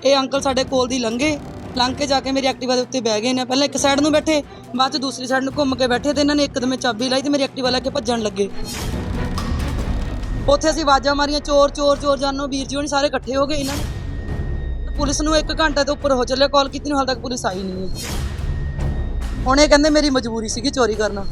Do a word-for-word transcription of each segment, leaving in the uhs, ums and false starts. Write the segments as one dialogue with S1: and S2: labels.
S1: ਇਹ ਅੰਕਲ ਸਾਡੇ ਕੋਲ ਦੀ ਲੰਘੇ, ਲੰਘ ਕੇ ਜਾ ਕੇ ਮੇਰੀ ਐਕਟਿਵਾ ਦੇ ਉੱਤੇ ਬਹਿ ਗਏ ਨੇ। ਪਹਿਲਾਂ ਇੱਕ ਸਾਈਡ ਨੂੰ ਬੈਠੇ, ਬਾਅਦ ਚ ਦੂਸਰੀ ਸਾਈਡ ਨੂੰ ਘੁੰਮ ਕੇ ਬੈਠੇ ਤੇ ਇਹਨਾਂ ਨੇ ਇੱਕਦਮ ਚਾਬੀ ਲਾਈ ਤੇ ਮੇਰੀ ਐਕਟਿਵਾ ਲੈ ਕੇ ਭੱਜਣ ਲੱਗੇ। ਉੱਥੇ ਅਸੀਂ ਆਵਾਜ਼ਾਂ ਮਾਰੀਆਂ, ਚੋਰ ਚੋਰ ਚੋਰ ਜਾਨੋ, ਵੀਰ ਜੀ ਹੋਣੀ ਸਾਰੇ ਇਕੱਠੇ ਹੋ ਗਏ। ਇਹਨਾਂ ਨੇ ਪੁਲਿਸ ਨੂੰ ਇੱਕ ਘੰਟੇ ਤੋਂ ਉੱਪਰ ਹੋ ਚੱਲਿਆ ਕਾਲ ਕੀਤੀ ਨੂੰ, ਹਾਲ ਤੱਕ ਪੁਲਿਸ ਆਈ ਨਹੀਂ ਹੈ। ਹੁਣ ਇਹ ਕਹਿੰਦੇ ਮੇਰੀ ਮਜਬੂਰੀ ਸੀਗੀ ਚੋਰੀ ਕਰਨਾ।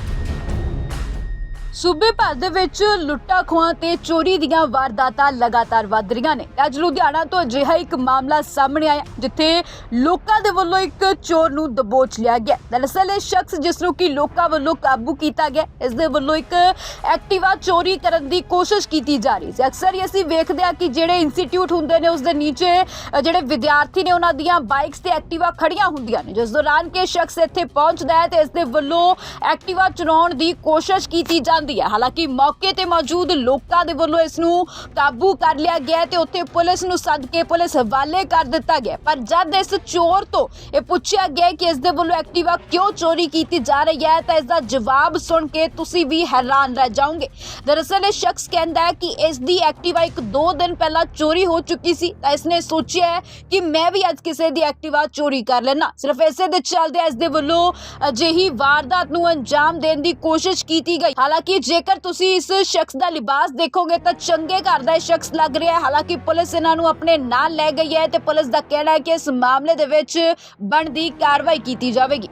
S2: ਸੂਬੇ ਭਰ ਦੇ ਵਿੱਚ ਲੁੱਟਾਂ ਖੋਹਾਂ ਤੇ ਚੋਰੀ ਦੀਆਂ ਵਾਰਦਾਤਾਂ ਲਗਾਤਾਰ ਵੱਧ ਰਹੀਆਂ ਨੇ। ਅੱਜ ਲੁਧਿਆਣਾ ਤੋਂ ਅਜਿਹਾ ਇੱਕ ਮਾਮਲਾ ਸਾਹਮਣੇ ਆਇਆ ਜਿੱਥੇ ਲੋਕਾਂ ਦੇ ਵੱਲੋਂ ਇੱਕ ਚੋਰ ਨੂੰ ਦਬੋਚ ਲਿਆ ਗਿਆ। ਦਰਅਸਲ ਇਹ ਸ਼ਖਸ ਜਿਸ ਨੂੰ ਕਿ ਲੋਕਾਂ ਵੱਲੋਂ ਕਾਬੂ ਕੀਤਾ ਗਿਆ, ਇਸ ਦੇ ਵੱਲੋਂ ਇੱਕ ਐਕਟਿਵਾ ਚੋਰੀ ਕਰਨ ਦੀ ਕੋਸ਼ਿਸ਼ ਕੀਤੀ ਜਾ ਰਹੀ ਸੀ। ਅਕਸਰ ਹੀ ਅਸੀਂ ਵੇਖਦੇ ਹਾਂ ਕਿ ਜਿਹੜੇ ਇੰਸਟੀਚਿਊਟ ਹੁੰਦੇ ਨੇ ਉਸ ਦੇ ਨੀਚੇ ਜਿਹੜੇ ਵਿਦਿਆਰਥੀ ਨੇ ਉਹਨਾਂ ਦੀਆਂ ਬਾਈਕਸ ਤੇ ਐਕਟਿਵਾ ਖੜੀਆਂ ਹੁੰਦੀਆਂ ਨੇ। ਜਿਸ ਦੌਰਾਨ ਕਿ ਸ਼ਖਸ ਇੱਥੇ ਪਹੁੰਚਦਾ ਹੈ ਤੇ ਇਸ ਦੇ ਵੱਲੋਂ ਐਕਟਿਵਾ ਚੁਰਾਉਣ ਦੀ ਕੋਸ਼ਿਸ਼ ਕੀਤੀ ਜਾਂਦੀ ਹੈ। ਹਾਲਾਂਕਿ ਮੌਕੇ ਤੇ ਮੌਜੂਦ ਲੋਕਾਂ ਦੇ ਵੱਲੋਂ ਇਸ ਨੂੰ ਕਾਬੂ ਕਰ ਲਿਆ ਗਿਆ ਤੇ ਉੱਥੇ ਪੁਲਿਸ ਨੂੰ ਸੱਦ ਕੇ ਪੁਲਿਸ ਹਵਾਲੇ ਕਰ ਦਿੱਤਾ ਗਿਆ। ਪਰ ਜਦ ਇਸ ਚੋਰ ਤੋਂ ਇਹ ਪੁੱਛਿਆ ਗਿਆ ਕਿ ਇਸ ਦੇ ਵੱਲੋਂ ਐਕਟਿਵਾ ਕਿਉਂ ਚੋਰੀ ਕੀਤੀ ਜਾ ਰਹੀ ਹੈ ਤਾਂ ਇਸ ਦਾ ਜਵਾਬ ਸੁਣ ਕੇ ਤੁਸੀਂ ਵੀ ਹੈਰਾਨ ਰਹਿ ਜਾਓਗੇ। ਦਰਅਸਲ ਇਹ ਸ਼ਖਸ ਕਹਿੰਦਾ ਹੈ ਕਿ ਇਸ ਦੀ ਐਕਟਿਵਾ ਇੱਕ ਦੋ ਦਿਨ ਪਹਿਲਾਂ ਚੋਰੀ ਹੋ ਚੁੱਕੀ ਸੀ ਤਾਂ ਇਸਨੇ ਸੋਚਿਆ ਹੈ ਕਿ ਮੈਂ ਵੀ ਅੱਜ ਕਿਸੇ ਦੀ ਐਕਟਿਵਾ ਚੋਰੀ ਕਰ ਲੈਣਾ। ਸਿਰਫ ਇਸੇ ਦੇ ਚੱਲਦੇ ਇਸ ਦੇ ਵੱਲੋਂ ਅਜਿਹੀ ਵਾਰਦਾਤ ਨੂੰ ਅੰਜਾਮ ਦੇਣ ਦੀ ਕੋਸ਼ਿਸ਼ ਕੀਤੀ ਗਈ। ਹਾਲਾਂਕਿ ਜੇਕਰ ਤੁਸੀਂ ਇਸ ਸ਼ਖਸ ਦਾ ਲਿਬਾਸ ਦੇਖੋਗੇ ਤਾਂ ਚੰਗੇ ਘਰ ਦਾ ਇਹ ਸ਼ਖਸ ਲੱਗ ਰਿਹਾ ਹੈ। ਹਾਲਾਂਕਿ ਪੁਲਿਸ ਇਹਨਾਂ ਨੂੰ ਆਪਣੇ ਨਾਲ ਲੈ ਗਈ ਹੈ ਤੇ ਪੁਲਿਸ ਦਾ ਕਹਿਣਾ ਹੈ ਕਿ ਇਸ ਮਾਮਲੇ ਦੇ ਵਿੱਚ ਬਣਦੀ ਕਾਰਵਾਈ ਕੀਤੀ ਜਾਵੇਗੀ।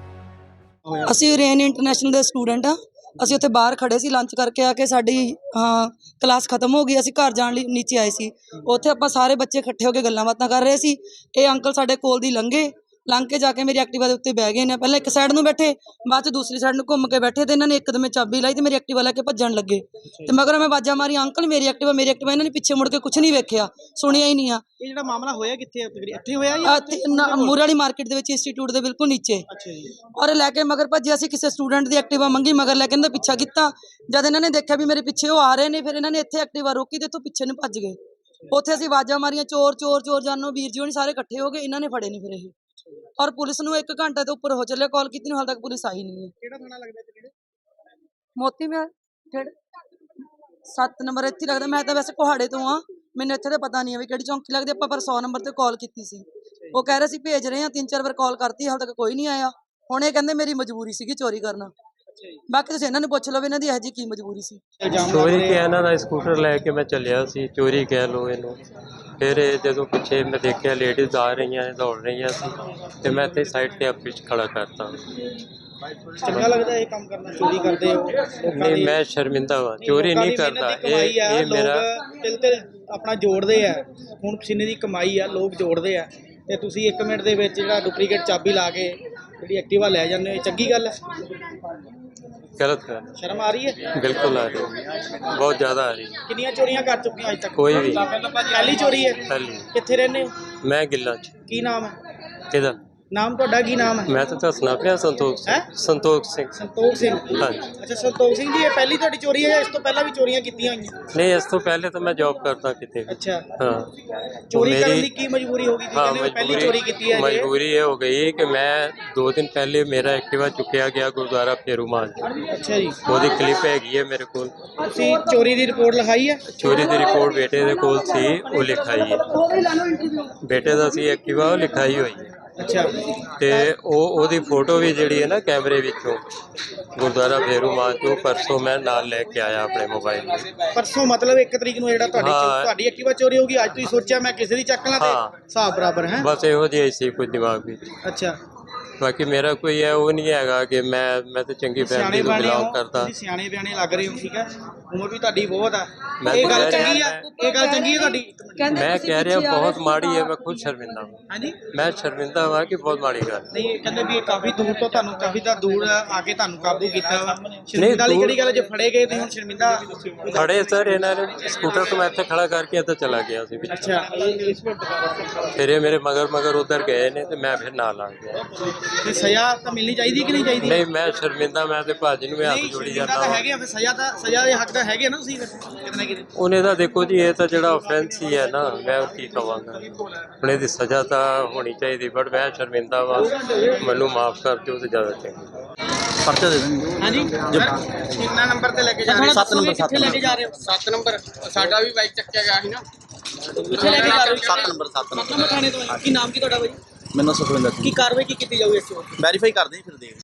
S1: ਅਸੀਂ ਰੇਨ ਇੰਟਰਨੈਸ਼ਨਲ ਦੇ ਸਟੂਡੈਂਟ ਆ। ਅਸੀਂ ਉੱਥੇ ਬਾਹਰ ਖੜੇ ਸੀ, ਲੰਚ ਕਰਕੇ ਆ ਕੇ ਸਾਡੀ ਹਾਂ ਕਲਾਸ ਖਤਮ ਹੋ ਗਈ। ਅਸੀਂ ਘਰ ਜਾਣ ਲਈ ਨੀਚੇ ਆਏ ਸੀ। ਉੱਥੇ ਆਪਾਂ ਸਾਰੇ ਬੱਚੇ ਇਕੱਠੇ ਹੋ ਕੇ ਗੱਲਾਂ ਬਾਤਾਂ ਕਰ ਰਹੇ ਸੀ। ਇਹ ਅੰਕਲ ਸਾਡੇ ਕੋਲ ਦੀ ਲੰਘੇ, ਲੰਘ ਕੇ ਜਾ ਕੇ ਮੇਰੀ ਐਕਟਿਵਾ ਦੇ ਉੱਤੇ ਬਹਿ ਗਏ ਨੇ। ਪਹਿਲਾਂ ਇੱਕ ਸਾਈਡ ਨੂੰ ਬੈਠੇ, ਬਾਅਦ ਚ ਦੂਸਰੀ ਸਾਈਡ ਨੂੰ ਘੁੰਮ ਕੇ ਬੈਠੇ ਤੇ ਇਹਨਾਂ ਨੇ ਇੱਕਦਮ ਚਾਬੀ ਲਾਈ ਤੇ ਮੇਰੀ ਐਕਟਿਵਾ ਲੈ ਕੇ ਭੱਜਣ ਲੱਗੇ। ਤੇ ਮਗਰ ਮੈਂ ਆਵਾਜ਼ਾਂ ਮਾਰੀ, ਅੰਕਲ ਮੇਰੀ ਐਕਟਿਵਾ ਮੇਰੀ ਐਕਟਿਵਾ। ਇਹਨਾਂ ਨੇ ਪਿੱਛੇ ਮੁੜ ਕੇ ਕੁਝ ਨਹੀਂ ਵੇਖਿਆ, ਸੁਣਿਆ ਹੀ ਨਹੀਂ ਆ।
S3: ਇਹ ਜਿਹੜਾ ਮਾਮਲਾ ਹੋਇਆ ਕਿੱਥੇ ਹੈ? ਇੱਥੇ ਹੋਇਆ ਜਾਂ
S1: ਮੂਰੇ ਵਾਲੀ ਮਾਰਕੀਟ ਦੇ ਵਿੱਚ ਇੰਸਟੀਚਿਊਟ ਦੇ ਬਿਲਕੁਲ ਨੀਚੇ।
S3: ਅੱਛਾ ਜੀ।
S1: ਔਰ ਲੈ ਕੇ ਮਗਰ ਭੱਜਿਆ ਸੀ। ਕਿਸੇ ਸਟੂਡੈਂਟ ਦੀ ਐਕਟਿਵਾ ਮੰਗੀ, ਮਗਰ ਲੈ ਕੇ ਇਹਦਾ ਪਿੱਛਾ ਕੀਤਾ। ਜਦ ਇਹਨਾਂ ਨੇ ਦੇਖਿਆ ਵੀ ਮੇਰੇ ਪਿੱਛੇ ਉਹ ਆ ਰਹੇ ਨੇ, ਫਿਰ ਇਹਨਾਂ ਨੇ ਇੱਥੇ ਐਕਟਿਵਾ ਰੋਕੀ ਤੇ ਇੱਥੋਂ ਪਿੱਛੇ ਨੂੰ ਭੱਜ ਗਏ। ਉੱਥੇ ਅਸੀਂ ਆਵਾਜ਼ਾਂ ਮਾਰੀਆਂ, ਚੋਰ ਚੋਰ ਚੋਰ ਜਾਨੋ, ਵੀਰ ਜੀ ਹੋਣੀ ਸਾਰੇ ਇਕੱਠੇ ਹੋ ਗਏ। ਇਹਨਾਂ ਨੇ ਫੜੇ ਨਹੀਂ ਫਿਰ ਇਹ। ਔਰ ਪੁਲਿਸ ਨੂੰ ਇੱਕ ਘੰਟੇ ਤੋਂ ਉੱਪਰ ਹੋ ਚੱਲਿਆ ਕਾਲ ਕੀਤੀ ਨੂੰ, ਹਾਲ ਤੱਕ ਪੁਲਿਸ ਆਈ ਨਹੀਂ ਹੈ।
S3: ਕਿਹੜਾ ਥਾਣਾ ਲੱਗਦਾ ਤੇ ਕਿਹੜੇ?
S1: ਮੋਤੀ ਮਹਿਲ ਕਿਹੜੇ ਸੱਤ ਨੰਬਰ ਇੱਥੇ ਲੱਗਦਾ। ਮੈਂ ਤਾਂ ਵੈਸੇ ਕੋਹਾੜੇ ਤੋਂ ਆ, ਮੈਨੂੰ ਇੱਥੇ ਤਾਂ ਪਤਾ ਨਹੀਂ ਹੈ ਵੀ ਕਿਹੜੀ ਚੌਂਕੀ ਲੱਗਦੀ। ਆਪਾਂ ਪਰ ਸੌ ਨੰਬਰ ਤੇ ਕਾਲ ਕੀਤੀ ਸੀ, ਉਹ ਕਹਿ ਰਹੇ ਸੀ ਭੇਜ ਰਹੇ ਆ। ਤਿੰਨ ਚਾਰ ਵਾਰ ਕਾਲ ਕਰਤੀ, ਹਾਲ ਤੱਕ ਕੋਈ ਨਹੀਂ ਆਇਆ। ਹੁਣ ਇਹ ਕਹਿੰਦੇ ਮੇਰੀ ਮਜਬੂਰੀ ਸੀਗੀ ਚੋਰੀ ਕਰਨਾ। ਬਾਕੀ ਤੁਸੀਂ ਇਹਨਾਂ ਨੂੰ ਪੁੱਛ ਲਓ ਇਹਨਾਂ ਦੀ ਇਹੋ ਜਿਹੀ ਕੀ ਮਜਬੂਰੀ ਸੀ।
S4: ਚੋਰੀ ਕਿ ਇਹਨਾਂ ਦਾ ਸਕੂਟਰ ਲੈ ਕੇ ਮੈਂ ਚੱਲਿਆ ਸੀ, ਚੋਰੀ ਕਹਿ ਲਓ ਇਹਨੂੰ। ਫਿਰ ਜਦੋਂ ਪਿੱਛੇ ਮੈਂ ਦੇਖਿਆ ਲੇਡੀਜ਼ ਆ ਰਹੀਆਂ ਦੌੜ ਰਹੀਆਂ ਸੀ ਤੇ ਮੈਂ ਇੱਥੇ ਸਾਈਡ ਤੇ ਆਪੇ ਖੜਾ ਕਰਤਾ।
S3: ਚੰਗਾ ਲੱਗਦਾ ਇਹ ਕੰਮ ਕਰਨਾ? ਚੋਰੀ ਕਰਦੇ ਹੋ?
S4: ਨਹੀਂ, ਮੈਂ ਸ਼ਰਮਿੰਦਾ ਹਾਂ, ਚੋਰੀ ਨਹੀਂ ਕਰਦਾ। ਇਹ ਇਹ ਮੇਰਾ
S3: ਤਿਲ ਤਿਲ ਆਪਣਾ ਜੋੜਦੇ ਆ, ਹੁਣ ਪਸੀਨੇ ਦੀ ਕਮਾਈ ਆ, ਲੋਕ ਜੋੜਦੇ ਆ ਤੇ ਤੁਸੀਂ ਇੱਕ ਮਿੰਟ ਦੇ ਵਿੱਚ ਜਿਹੜਾ ਡੁਪਲੀਕੇਟ ਚਾਬੀ ਲਾ ਕੇ ਜਿਹੜੀ ਐਕਟਿਵਾ ਲੈ ਜਾਂਦੇ ਹੋ, ਚੰਗੀ ਗੱਲ ਹੈ?
S4: ਗਲਤ ਗੱਲ।
S3: ਸ਼ਰਮ ਆ ਰਹੀ ਹੈ?
S4: ਬਿਲਕੁਲ ਆ ਰਹੀ ਹੈ, ਬਹੁਤ ਜ਼ਿਆਦਾ ਆ ਰਹੀ ਹੈ।
S3: ਕਿੰਨੀਆਂ ਚੋਰੀਆਂ ਕਰ ਚੁੱਕੀਆਂ ਅੱਜ ਤੱਕ?
S4: ਕੋਈ ਵੀ
S3: ਪਹਿਲੀ ਚੋਰੀ ਹੈ?
S4: ਪਹਿਲੀ।
S3: ਕਿੱਥੇ ਰਹਿੰਦੇ ਹੋ?
S4: ਮੈਂ ਗਿੱਲਾਂ 'ਚ।
S3: ਕੀ ਨਾਮ ਹੈ?
S4: ਕਿਹਦਾ
S3: ਨਾਮ ਤੁਹਾਡਾ? ਕੀ ਨਾਮ ਹੈ?
S4: ਮੈਂ ਤਾਂ ਦੱਸਣਾ ਪਿਆ, ਸੰਤੋਖ ਸਿੰਘ। ਸੰਤੋਖ ਸਿੰਘ।
S3: ਸੰਤੋਖ ਸਿੰਘ।
S4: ਹਾਂਜੀ।
S3: ਅੱਛਾ ਸੰਤੋਖ ਸਿੰਘ ਜੀ, ਇਹ ਪਹਿਲੀ ਤੁਹਾਡੀ ਚੋਰੀ ਹੈ ਜਾਂ ਇਸ ਤੋਂ ਪਹਿਲਾਂ ਵੀ ਚੋਰੀਆਂ ਕੀਤੀਆਂ ਹੋਈਆਂ?
S4: ਨਹੀਂ, ਇਸ ਤੋਂ ਪਹਿਲੇ ਤਾਂ ਮੈਂ ਜੌਬ ਕਰਦਾ ਕਿਤੇ ਵੀ।
S3: ਅੱਛਾ।
S4: ਹਾਂ।
S3: ਚੋਰੀ ਕਰਨ ਦੀ ਕੀ ਮਜਬੂਰੀ ਹੋ ਗਈ?
S4: ਹਾਂ,
S3: ਪਹਿਲੀ ਚੋਰੀ ਕੀਤੀ ਹੈ?
S4: ਮਜਬੂਰੀ ਇਹ ਹੋ ਗਈ ਕਿ ਮੈਂ ਦੋ ਦਿਨ ਪਹਿਲੇ ਮੇਰਾ ਐਕਟਿਵਾ ਚੁੱਕਿਆ ਗਿਆ ਗੁਰਦੁਆਰਾ ਫੇਰੂਮਾਨ।
S3: ਅੱਛਾ ਜੀ।
S4: ਉਹਦੀ ਕਲਿੱਪ ਹੈਗੀ ਹੈ ਮੇਰੇ ਕੋਲ।
S3: ਤੁਸੀਂ ਚੋਰੀ ਦੀ ਰਿਪੋਰਟ ਲਿਖਾਈ ਹੈ?
S4: ਚੋਰੀ ਦੀ ਰਿਪੋਰਟ ਬੇਟੇ ਦੇ ਕੋਲ ਸੀ, ਉਹ ਲਿਖਾਈ ਹੈ। ਬੇਟੇ ਦਾ ਸੀ ਐਕਟਿਵਾ, ਉਹ ਲਿਖਾਈ ਹੋਈ ਹੈ।
S3: ਅੱਛਾ।
S4: ਤੇ ਉਹ ਉਹਦੀ ਫੋਟੋ ਵੀ ਜਿਹੜੀ ਹੈ ਨਾ ਕੈਮਰੇ ਵਿੱਚੋਂ ਗੁਰਦੁਆਰਾ ਫੇਰੂਮਾਨ ਤੋਂ ਪਰਸੋਂ ਮੈਂ ਨਾਲ ਲੈ ਕੇ ਆਇਆ ਆਪਣੇ ਮੋਬਾਈਲ ਵਿੱਚ।
S3: ਪਰਸੋਂ ਮਤਲਬ ਇੱਕ ਤਰੀਕ ਨੂੰ ਜਿਹੜਾ ਤੁਹਾਡੀ ਤੁਹਾਡੀ ਐਕਟਿਵਾ ਚੋਰੀ ਹੋ ਗਈ, ਅੱਜ ਤੁਸੀਂ ਸੋਚਿਆ ਮੈਂ ਕਿਸੇ ਦੀ ਚੱਕ ਲਾਂ ਤੇ ਹਿਸਾਬ ਬਰਾਬਰ ਹੈ?
S4: ਬਸ ਇਹੋ ਜਿਹੀ ਸੀ ਕੁਝ ਦਿਮਾਗ ਵਿੱਚ।
S3: ਅੱਛਾ।
S4: ਬਾਕੀ ਮੇਰਾ ਕੋਈ ਹੈ ਉਹ ਨਹੀਂ ਹੈਗਾ ਕਿ ਮੈਂ ਮੈਂ ਤਾਂ ਚੰਗੀ ਫੈਮਿਲੀ ਤੋਂ ਬਿਲੋਂਗ ਕਰਦਾ।
S3: ਤੁਸੀਂ ਸਿਆਣੇ ਬਿਆਣੇ ਲੱਗ ਰਹੇ ਹੋ, ਠੀਕ ਹੈ, ਉਮਰ ਵੀ ਤੁਹਾਡੀ ਬਹੁਤ ਆ।
S4: ਮੈਂ
S3: ਇਹ ਗੱਲ ਚੰਗੀ ਆ? ਇਹ ਗੱਲ ਚੰਗੀ ਹੈ ਤੁਹਾਡੀ?
S4: ਮੈਂ ਕਹਿ ਰਿਹਾ ਬਹੁਤ ਮਾੜੀ ਹੈ, ਮੈਂ ਖੁਦ ਸ਼ਰਮਿੰਦਾ ਹਾਂ।
S3: ਹਾਂਜੀ।
S4: ਮੈਂ ਸ਼ਰਮਿੰਦਾ ਹਾਂ ਕਿ ਬਹੁਤ ਮਾੜੀ ਗੱਲ।
S3: ਨਹੀਂ, ਇਹ ਕਹਿੰਦੇ ਵੀ ਇਹ ਕਾਫੀ ਦੂਰ ਤੋਂ ਤੁਹਾਨੂੰ ਕਾਫੀ ਦਾ ਦੂਰ ਆ ਕੇ ਤੁਹਾਨੂੰ ਕਾਬੂ ਕੀਤਾ ਵਾ। ਸ਼ਰਮਿੰਦਾ ਵਾਲੀ ਕਿਹੜੀ ਗੱਲ? ਜੇ ਫੜੇ ਗਏ ਤੁਸੀਂ ਹੁਣ ਸ਼ਰਮਿੰਦਾ?
S4: ਖੜੇ ਸਰ ਇਹਨਾਂ ਨੇ ਸਕੂਟਰ ਤੋਂ ਮੈਂ ਇੱਥੇ ਖੜਾ ਕਰਕੇ ਇੱਧਰ ਚਲਾ ਗਿਆ ਸੀ।
S3: ਅੱਛਾ।
S4: ਫਿਰ ਇਹ ਮੇਰੇ ਮਗਰ ਮਗਰ ਉਧਰ ਗਏ ਨੇ ਤੇ ਮੈਂ ਫਿਰ ਨਾਲ ਆ ਗਿਆ।
S3: ਤੇ ਸਜ਼ਾ ਤਾਂ ਮਿਲਣੀ ਚਾਹੀਦੀ ਕਿ ਨਹੀਂ ਚਾਹੀਦੀ?
S4: ਨਹੀਂ, ਮੈਂ ਸ਼ਰਮਿੰਦਾ, ਮੈਂ ਤੇ ਭਾਜੀ ਨੂੰ ਵੀ ਹੱਥ ਜੋੜੀ ਜਾਂਦਾ
S3: ਤਾਂ ਹੈਗੇ ਆ, ਫਿਰ ਸਜ਼ਾ ਤਾਂ ਸਜ਼ਾ ਦੇ ਹੱਕ ਦਾ ਹੈਗੇ ਨਾ ਤੁਸੀਂ ਕਿਤਨਾ ਕਿਤੇ।
S4: ਉਹਨੇ ਤਾਂ ਦੇਖੋ ਜੀ, ਇਹ ਤਾਂ ਜਿਹੜਾ ਆਫੈਂਸ ਹੀ ਹੈ ਨਾ, ਮੈਂ ਕੀ ਕਹਾਂਗਾ। ਹੁਣ ਇਹਦੀ ਸਜ਼ਾ ਤਾਂ ਹੋਣੀ ਚਾਹੀਦੀ, ਬਟ ਮੈਂ ਸ਼ਰਮਿੰਦਾ ਵਾ, ਮੈਨੂੰ ਮਾਫ ਕਰ ਦਿਓ ਤੇ ਜ਼ਿਆਦਾ ਚੰਗਾ।
S5: ਪਰਚਾ ਦੇ ਦੇਣਗੇ।
S3: ਹਾਂਜੀ। ਕਿੰਨਾ ਨੰਬਰ ਤੇ ਲੈ ਕੇ ਜਾ ਰਹੇ ਹੋ?
S5: ਸੱਤ ਨੰਬਰ।
S3: ਕਿੱਥੇ ਲੈ ਕੇ ਜਾ ਰਹੇ ਹੋ?
S6: ਸੱਤ ਨੰਬਰ। ਸਾਡਾ ਵੀ ਬਾਈਕ ਚੱਕਿਆ ਗਿਆ ਸੀ ਨਾ,
S3: ਕਿੱਥੇ ਲੈ ਕੇ ਜਾ ਰਹੇ ਹੋ?
S5: ਸੱਤ ਨੰਬਰ ਸੱਤ ਨੰਬਰ
S3: ਨੰਬਰ ਥਾਣੇ ਤੋਂ ਆਏ। ਕੀ ਨਾਮ ਕੀ ਤੁਹਾਡਾ ਭਾਈ?
S5: ਮੈਨੂੰ ਸੁਖਵਿੰਦਰ ਸਿੰਘ
S3: ਕੀ ਕਾਰਵਾਈ ਕੀ ਕੀਤੀ ਜਾਊਗੀ ਇਸ ਤੋਂ?
S5: ਵੈਰੀਫਾਈ ਕਰਦੇ ਜੀ ਫਿਰ ਦੇਖ